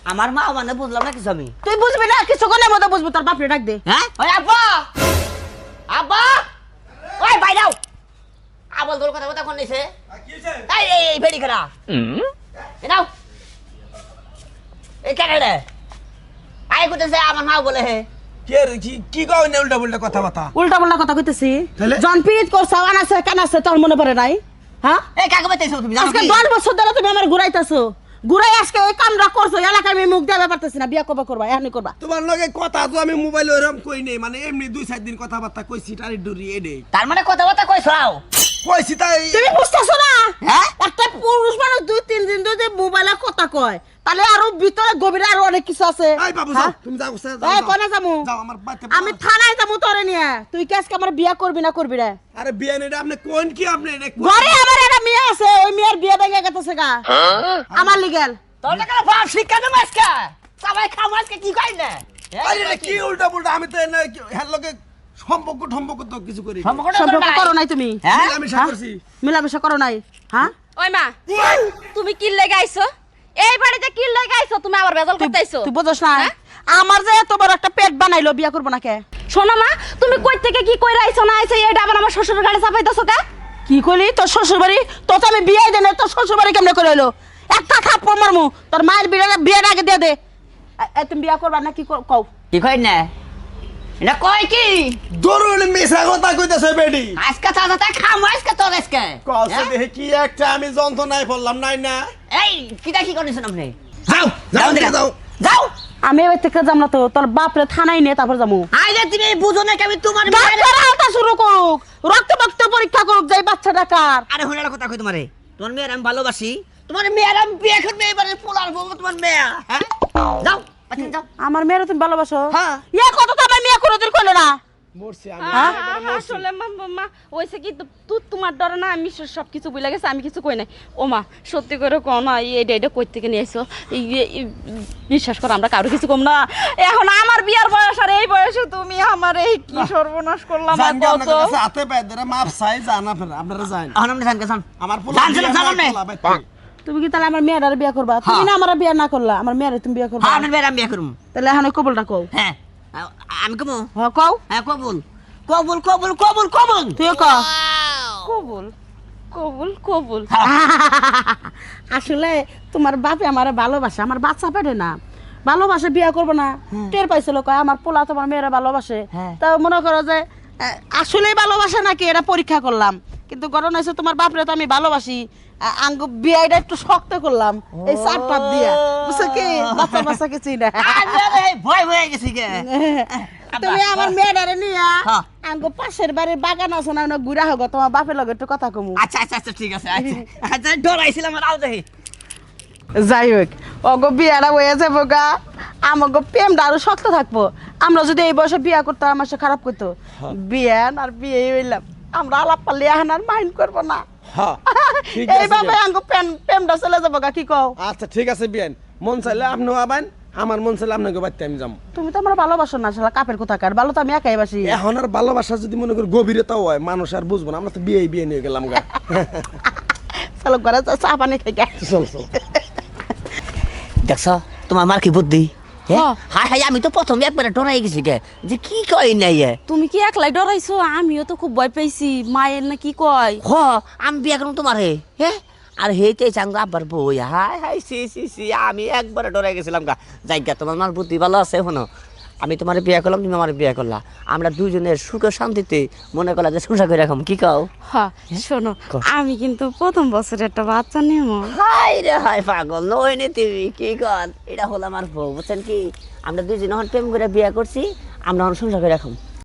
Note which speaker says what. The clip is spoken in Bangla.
Speaker 1: আমার মা মানে বুঝলাম না কিছু আমি।
Speaker 2: তুই বুঝবি না কিছু কোনের মতো বুঝবো তোর বাপরে ডাক দে।
Speaker 1: হ্যাঁ ওই আব্বা আব্বা ওই বাইরাও আবল তোর কথা কোন নিছে কি হইছে এই এই ভেড়ি খারা এ নাও এই কেন রে আই কইতেছে আমার মা বলে হে
Speaker 3: কে কি কও না উল্টা উল্টা কথা বাতা
Speaker 2: উল্টা পাল্টা কথা কইতেছি
Speaker 3: তাহলে?
Speaker 2: জনপিত করছাও আনাছে কানাছে তোর মনে পড়ে নাই হ্যাঁ
Speaker 1: এই কাকে বাইতেছো তুমি জানো
Speaker 2: আজকে
Speaker 1: কি
Speaker 2: 10 বছর ধরে তুমি আমার ঘুরাইতাছো ঘুরাই আজকে এই কামরা করছো এলাকায় আমি মুখ দেওয়া পারতেছি না বিয়া কবে করবা এখনই করবা
Speaker 3: তোমার লগে কথা তো আমি মোবাইলে ওরকম কই নেই মানে এমনি 2-4 দিন কথাবার্তা কইছি টারি ডুরি এডে
Speaker 1: তার মানে কথাবার্তা কইছাও
Speaker 3: কইছি তাই
Speaker 2: তুমি বুঝতেছো না
Speaker 1: হ্যাঁ
Speaker 2: একটা পুরুষ মানুষ 2-3 দিন যদি মোবাইলে কথা কয় তাহলে আরো ভিতরে গভীরে আরো অনেক কিছু আছে
Speaker 3: এই বাবু
Speaker 2: হ্যাঁ?
Speaker 3: যাও তুমি যাও
Speaker 2: এই কোনে যামু
Speaker 3: যাও আমার বাড়িতে
Speaker 2: আমি থানায় যাবো তোরে নিয়ে তুই কি আজকে আমার বিয়া করবি না করবি রে
Speaker 3: আরে বিয়ে নেই আপনি কোন কি আপনি
Speaker 2: ঘরে আমার একটা মেয়ে আছে ওই মেয়ের বিয়ে ভেঙে গেছে গা আমার লিগেল
Speaker 1: তোর টাকা বাপ শিক্ষা দেব আজকে সবাই খাম আজকে কি কই না
Speaker 3: আরে কি উল্টা উল্টা আমি তো হ্যাঁ লগে সম্পর্ক তো কিছু করি
Speaker 2: সম্পর্ক করো নাই তুমি
Speaker 1: হ্যাঁ
Speaker 3: আমি
Speaker 2: হ্যাঁ?
Speaker 3: করছি
Speaker 2: মিলামেশা করো নাই হ্যাঁ
Speaker 4: ওই মা তুমি কি লেগে আইছো এই বাড়িতে কি লেগে আইছো তুমি আবার বেজাল করতে আইছো
Speaker 2: তুই বুঝছ না
Speaker 4: হ্যাঁ?
Speaker 2: আমার যে এত বড় একটা পেট বানাইলো বিয়া করবো না কে
Speaker 4: শোনো মা তুমি কই থেকে কি কইরা আইছো না আইছো এটা আবার আমার শ্বশুর গাড়ি চাপাইতেছো কে
Speaker 2: কি করলি তোর শ্বশুর বাড়ি তোর তো আমি বিয়ে দেন তোর শ্বশুর বাড়ি কেমনে করে এলো একটা থাপ্পড় মারমু তোর মায়ের বিয়ের আগে দিয়ে দে তুমি বিয়া করবা না কি কও
Speaker 1: কি কই না এটা কই কি
Speaker 3: দরুন মিছা কথা কইতেছে বেডি
Speaker 1: আজকে চাচা খাম আজকে তোর আজকে
Speaker 3: কসে দেখে কি একটা আমি যন্ত্রণায় পড়লাম নাই না
Speaker 1: এই কি করেছেন আপনি
Speaker 3: যাও যাও
Speaker 1: দিকে।
Speaker 3: যাও
Speaker 1: যাও
Speaker 2: আমি এবার থেকে যাম না তো তোর বাপরে থানায় নিয়ে তারপর যাবো
Speaker 1: আইলে তুমি বুঝো না কি আমি তোমার
Speaker 2: ডাক্তার আওতা শুরু করুক রক্ত পরীক্ষা করুক যাই বাচ্চা ডাকার
Speaker 1: আরে হুনার কথা কই তোমারে তোমার মেয়ের আমি ভালোবাসি তোমার মেয়ের আমি বিয়ে করবে এবারে পোলার বউ তোমার মেয়ে হ্যাঁ যাও পাঠিয়ে যাও
Speaker 2: আমার মেয়ের তুমি ভালোবাসো
Speaker 1: হ্যাঁ।
Speaker 2: ইয়া কত তো আমার মেয়ে কোনোদিন করলো না
Speaker 3: মরছি আমি
Speaker 4: আসলে মা ওইসে কি তুই তোমার ডরে না আমি সবকিছু বুঝলে গেছে আমি কিছু কই নাই ও মা সত্যি করে কও না এটা কই থেকে নিয়ে আইছো বিশ্বাস করো আমরা কারো কিছু কম না এখন আমার বিয়ার বয়স আর এই বয়সে তুমি আমার এই কি সর্বনাশ করলাম আর
Speaker 3: জান
Speaker 4: কত
Speaker 3: আপনার কাছে হাতে পায়ে ধরে মাপ চাই জান আপনারা যান
Speaker 1: এখন আপনি জান কেন
Speaker 3: আমার পোলা
Speaker 1: জান
Speaker 2: তুমি কি তাহলে আমার মেয়ের বিয়ে করবা তুমি না আমার বিয়ে না করলা আমার মেয়ের তুমি বিয়ে করবা
Speaker 1: হ্যাঁ আপনার মেয়ের আমি বিয়ে করব
Speaker 2: তাহলে এখন কবলটা কও
Speaker 1: হ্যাঁ আমি কমু
Speaker 2: হ্যাঁ কও
Speaker 1: হ্যাঁ কবুল কবুল কবুল কবুল কবুল
Speaker 2: তুইও ক
Speaker 4: কবুল কবুল কবুল
Speaker 2: আসলে তোমার বাপে আমার ভালোবাসে আমার বাচ্চা পেটে না ভালোবাসে বিয়ে করবো না টের পাইছিল কয় আমার পোলা তোমার মেয়েরা ভালোবাসে
Speaker 1: হ্যাঁ।
Speaker 2: তা মনে করো যে আসলেই ভালোবাসে নাকি এটা পরীক্ষা করলাম কিন্তু ঘটনা হয়েছে তোমার বাপরে তো আমি ভালোবাসি আঙ্গ বিয়েটা একটু শক্ত করলাম এই চাপ টাপ দিয়া বুঝছো কি বাচ্চা কিছুই না
Speaker 1: আরে ভয় হয়ে গেছি কে
Speaker 2: তুমি আমার মেয়েটারে নিয়া
Speaker 1: হ্যাঁ।
Speaker 2: আঙ্গ পাশের বাড়ির বাগান আছে না ওনা ঘুরা হোক তোমার বাপের লগে একটু কথা কমু
Speaker 1: আচ্ছা আচ্ছা আচ্ছা ঠিক আছে আচ্ছা আচ্ছা ডরাইছিলাম আর আও দেখি
Speaker 2: যাই হোক অগো বিয়াটা হয়ে যাবো গা আমাকে প্রেমটা আরো শক্ত থাকবো আমরা যদি এই বয়সে বিয়া করতাম আমার সাথে খারাপ করতো বিয়ান আর বিয়ে হইলাম আমরা আলাপ পারলে এখন আর মাইন্ড করবো না
Speaker 3: হ্যাঁ ঠিক আছে
Speaker 2: এইভাবে আঙ্গ প্রেমটা চলে যাবো গা কি কও
Speaker 3: আচ্ছা ঠিক আছে বিয়ান মন চাইলে আপনিও আবেন আমার মন চাইলে আপনাকে বাড়িতে আমি যাবো
Speaker 2: তুমি তো আমার ভালোবাসো না শালা কাপের কোথাকার ভালো তো আমি একাই বাসি
Speaker 3: এখন আর ভালোবাসা যদি মনে করি গভীরতাও হয় মানুষ আর বুঝবো না আমরা তো বিয়ে নিয়ে গেলাম গা
Speaker 2: চলো ঘরে চা পানি খাই গে।
Speaker 3: চল চল
Speaker 1: দেখছ তোমার মার কি বুদ্ধি
Speaker 4: হ্যাঁ।
Speaker 1: হাই হাই আমি তো প্রথমে একবারে ডরাই গেছি গে যে কি কই নাই
Speaker 4: তুমি কি একলাই ডরাইছো আমিও তো খুব ভয় পাইছি মায়ের না কি কয়
Speaker 1: হ আমি বিয়ে করুম তোমার হ্যাঁ আর হেতে চাঙ্গ আব্বার বই হাই হাই সি সি সি আমি একবারে ডরাই গেছিলাম গা জায়গা তোমার মার বুদ্ধি ভালো আছে শোনো আমি তোমার বিয়ে করলাম তুমি আমার বিয়ে করলা আমরা দুজনের সুখে শান্তিতে মনে করলা যে সংসার করে রাখম কি কও
Speaker 4: হ্যাঁ শোনো আমি কিন্তু প্রথম বছরে একটা বাচ্চা নিব
Speaker 1: হাই রে হাই পাগল নই নি তুমি কি কর এটা হলো আমার বউ বুঝছেন কি আমরা দুজন এখন প্রেম করে বিয়ে করছি আমরা এখন সংসার করে রাখম